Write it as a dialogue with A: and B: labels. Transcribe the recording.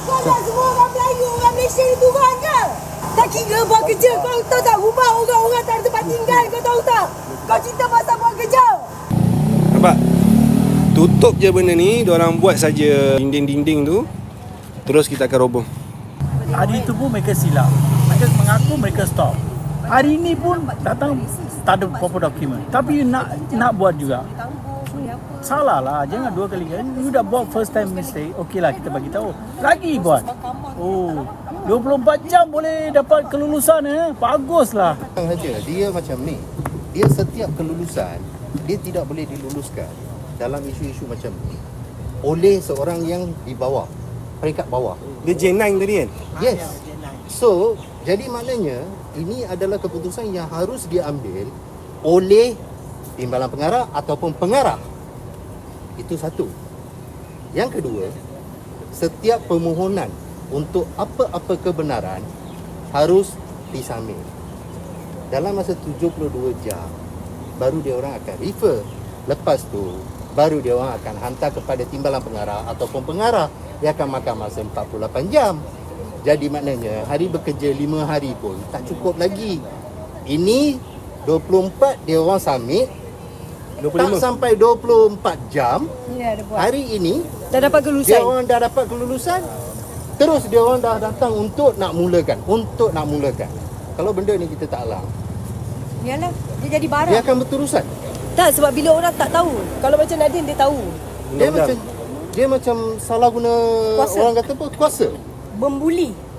A: Kau nak semua orang Melayu, orang Malaysia ni turun ke? Tak kira buat kerja, kau tahu tak? Rumah orang-orang tak ada tempat tinggal, kau tahu tak? Kau cerita pasal buat kerja.
B: Nampak? Tutup je benda ni, diorang buat saja dinding-dinding tu, terus kita akan roboh.
C: Hari itu pun mereka silap. Mereka mengaku mereka stop. Hari ini pun datang tak ada apa-apa dokumen. Tapi you nak buat juga. Salah lah, jangan dua kali kan. You dah buat first time mistake, okey lah kita bagi tahu. Lagi buat. Oh, 24 jam boleh dapat kelulusan Baguslah.
D: Saja dia macam ni. Dia setiap kelulusan dia tidak boleh diluluskan dalam isu-isu macam ni oleh seorang yang di bawah, peringkat bawah.
B: Dia J9 tadi kan?
D: Yes. So, jadi maknanya ini adalah keputusan yang harus diambil oleh timbalan pengarah ataupun pengarah. Itu satu. Yang kedua, setiap permohonan untuk apa-apa kebenaran harus disubmit dalam masa 72 jam. Baru dia orang akan refer. Lepas tu baru dia orang akan hantar kepada timbalan pengarah ataupun pengarah. Dia akan makan masa 48 jam. Jadi maknanya hari bekerja 5 hari pun tak cukup lagi. Ini 24 dia orang submit,
B: 25.
D: tak sampai 24 jam.
A: Ya, dah buat.
D: Hari ini
A: Dah dapat kelulusan.
D: dia orang dah dapat kelulusan. Terus dia orang dah datang untuk nak mulakan. Kalau benda ni kita tak alam,
A: Yalah, dia jadi barang.
D: dia akan berterusan.
A: Tak, sebab bila orang tak tahu. Kalau macam Nadine dia tahu.
D: Dia macam salah guna
A: Kuasa.
D: orang kata apa? Kuasa.
A: Membuli.